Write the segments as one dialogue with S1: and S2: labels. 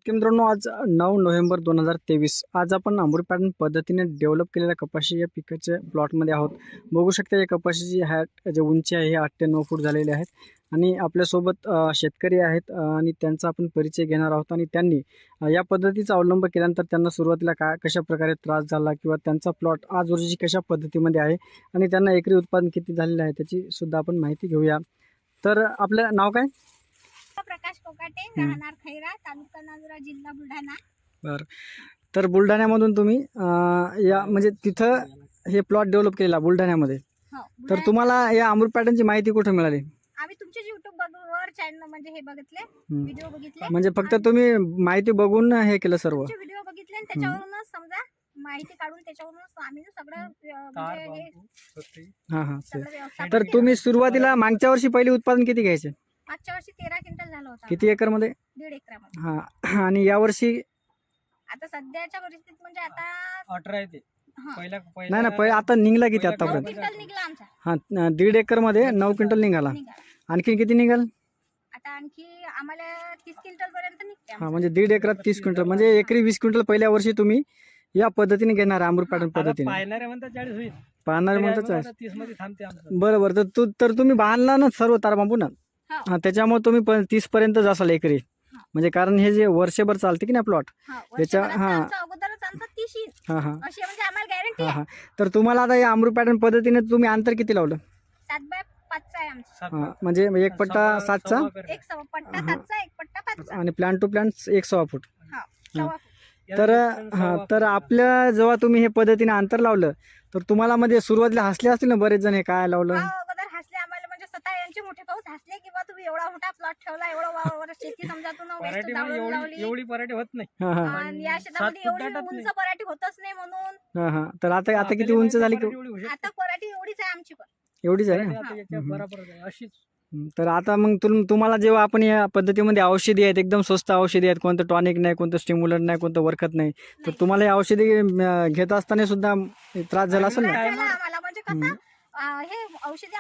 S1: शेतकरी मित्रांनो, आज 9 नोव्हेंबर 2023 आज आपण अमृत पॅटर्न पद्धतीने डेव्हलप केलेल्या कपाशी या पिकाच्या प्लॉटमध्ये आहोत. बघू शकता या कपाशीची जे उंची आहे हे 8 ते 9 फूट झालेले आहेत आणि आपल्यासोबत शेतकरी आहेत आणि त्यांचा आपण परिचय घेणार आहोत. आणि त्यांनी या पद्धतीचा अवलंब केल्यानंतर त्यांना सुरुवातीला कशा प्रकारे त्रास झाला किंवा त्यांचा प्लॉट आज रोजी कशा पद्धतीमध्ये आहे आणि त्यांना एकरी उत्पादन किती झालेलं आहे त्याची सुद्धा आपण माहिती घेऊया. तर आपलं नाव काय?
S2: प्रकाश कोकाटे, राहणार खैरा, तालुका नांदुरा, जिल्हा बुलढाणा.
S1: बरं. तर बुलढाण्यामधून तुम्ही या म्हणजे तिथं हे प्लॉट डेव्हलप केलेला बुलढाण्यामध्ये.
S2: हो,
S1: तर तुम्हाला या अमृत पॅटर्नची माहिती कुठे मिळाली?
S2: आम्ही तुमचे YouTube वर चॅनल म्हणजे हे बघितले, व्हिडिओ बघितले.
S1: म्हणजे फक्त तुम्ही माहिती बघून हे केलं सर्व?
S2: तुमचे व्हिडिओ बघितले आणि त्याच्यावरूनच समजा माहिती काढून त्याच्यावरूनच आम्ही सगळं म्हणजे हे
S1: हां हां
S2: सगळं व्यवस्थापन
S1: तर
S2: केलं.
S1: तुम्ही सुरुवातीला मागच्या वर्षी पहिले उत्पादन किती घ्यायचे?
S2: मागच्या वर्षी 13 क्विंटल झालं होतं.
S1: किती एकरमध्ये?
S2: 1.5 एकरामध्ये.
S1: हां. आणि यावर्षी?
S2: आता सध्याच्या परिस्थितीत म्हणजे आता
S3: 18 आहे ते.
S2: हां,
S1: नाही ना, पहिले आता निघला किती
S2: 9
S1: आतापर्यंत?
S2: क्विंटल निघला आमचा.
S1: हां, 1.5 एकरमध्ये 9 क्विंटल निघाला. आणखी किती निघाल?
S2: आता आणखी आम्हाला 30 क्विंटल पर्यंत निघते.
S1: हां, म्हणजे 1.5 एकरात 30 क्विंटल म्हणजे एकरी 20 क्विंटल पहिल्या वर्षी तुम्ही या पद्धतीने घेणार अमृत पॅटर्न पद्धतीने.
S3: पाहणारे म्हणतात 40 होईल,
S1: पाहणार
S3: तरी
S1: म्हणतात
S3: आम्ही
S1: 40.
S3: 30 मध्ये थांबते आमचं.
S1: बरोबर. तर तुम्ही बांधला ना सर्व तार बांबू ना.
S2: हो.
S1: हां, त्याच्यामुळे तुम्ही 30 पर्यंत जासाल एकरी.
S2: हां.
S1: म्हणजे कारण हे जे वर्षभर चालते की नाही प्लॉट.
S2: हां,
S1: त्याच्या
S2: वर्षभराचं
S1: हां.
S2: आमचं अगोदरच आमचं 30 येईल.
S1: हां हां
S2: अशी म्हणजे आम्हाला गॅरंटी
S1: हां
S2: आहे.
S1: हां. तर तुम्हाला आता या अमृत पॅटर्न पद्धतीने तुम्ही अंतर किती लावलं?
S2: 7x5 आहे आमचं.
S3: सात
S1: हां, म्हणजे एक पट्टा 7चा
S3: करते.
S2: एक सव्वा पट्टा
S1: हां.
S2: 7चा, एक पट्टा 5चा.
S1: आणि प्लांट टू प्लांट 1.25 फूट.
S2: हा, सव्वा फूट.
S1: तर हां, तर आपल्या जेव्हा तुम्ही हे पद्धतीने अंतर लावलं तर तुम्हाला म्हणजे सुरुवातीला हसले असतील ना बरेच जण, हे काय लावलं?
S2: हा, अगोदर हसले आम्हाला म्हणजे स्वतः यांचे मोठे पाऊस हसले की बा तुम्ही एवढा मोठा प्लॉट ठेवला, एवढं वावर शेती समजा तू ना वेस्ट
S3: पराठी म्हणजे
S2: जाळून
S3: एवढी
S2: लावली.
S3: एवढी पराठी होत नाही.
S1: हां हां
S2: आणि या शेतामध्ये
S3: 7 फूट
S2: एवढी
S3: दाटत
S2: उंच
S3: नाही.
S2: पराठी होतच नाही म्हणून
S1: हां हां. तर आता किती
S3: आपल्याला
S1: उंच झाली?
S3: पराठी एवढी होऊ शकते.
S2: आता पराठी एवढीच आहे आमची पण.
S1: एवढीच आहे
S3: पराठी
S1: ना?
S3: आता याच्या बरोबरच आहे. अशीच
S1: तर आता मग तुम्हाला जेव्हा आपण या पद्धतीमध्ये औषधी आहेत, एकदम स्वस्त औषधी आहेत, कोणतं टॉनिक नाही, कोणतं स्टिम्युलंट नाही, कोणतं वरखत नाही, तर तुम्हाला या औषधी घेत असताना सुद्धा त्रास झाला असेल ना?
S2: त्रास झाला आम्हाला म्हणजे कसं हे औषधी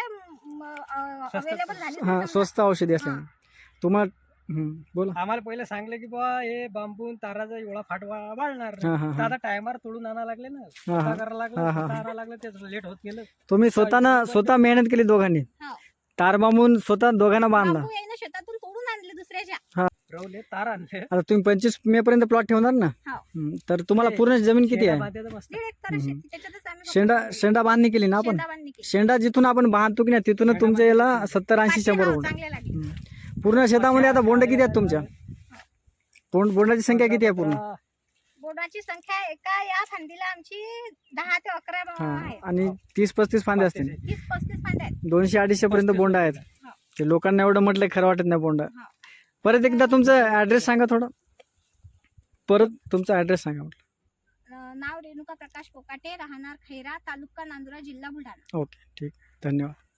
S2: आम्हाला अवेलेबल झाली
S1: हां,
S2: समजा.
S1: स्वस्त औषधी असल्याने तुम्हाला बोला.
S3: आम्हाला पहिले सांगले की बा हे बांबून ताराचा एवढा फाट वाढणार
S1: हां,
S3: नाही.
S1: हां,
S3: तर आता टायमार तोडून आणायला लागले ना, स्वतः करायला लागलं,
S1: हां, हां.
S3: स्वतः आणायला लागलं, तेच लेट होत गेलं.
S1: तुम्ही स्वतः मेहनत केली दोघांनी,
S2: हो.
S1: तार बांबून स्वतः दोघांना बांधला.
S2: बांबू यायनं शेतातून तोडून आणले दुसऱ्याच्या.
S3: रवले तार आणले.
S1: आता तुम्ही 25 मे पर्यंत प्लॉट ठेवणार ना?
S2: हो.
S1: तर तुम्हाला पूर्ण जमीन किती
S3: शेंडा
S1: आहे?
S3: बांधायचं मस्त.
S2: 1.5 एकर शेती त्याच्यातच आम्ही फक्त
S1: शेंडा बांधणी केली ना आपण?
S2: शेंडा बांधणी केली.
S1: शेंडा जिथून आपण बांधतो की नाही तिथून तुमच्या याला 70-80 100
S2: हो,
S1: बोंड.
S2: चांगले लागले.
S1: पूर्ण शेतामध्ये आता बोंड किती आहेत तुमच्या? बोंडाची संख्या किती आहे पूर्ण?
S2: बोर्डाची संख्या एका या फांदीला आमची 10 ते 11 आहे.
S1: आणि 30-35 फांदे असतील.
S2: 30-35 फांद्या आहेत.
S1: 200-250 पर्यंत बोंड आहेत.
S2: हो.
S1: ते लोकांना एवढं म्हटलं खरं वाटत नाही बोंड.
S2: हो.
S1: परत एकदा तुमचा ऍड्रेस सांगा थोडं. परत तुमचा ऍड्रेस सांगा म्हटलं.
S2: नाव रेणुका प्रकाश कोकाटे, राहणार खैरा, तालुका नांदुरा, जिल्हा बुलढाणा.
S1: ओके, ठीक. धन्यवाद.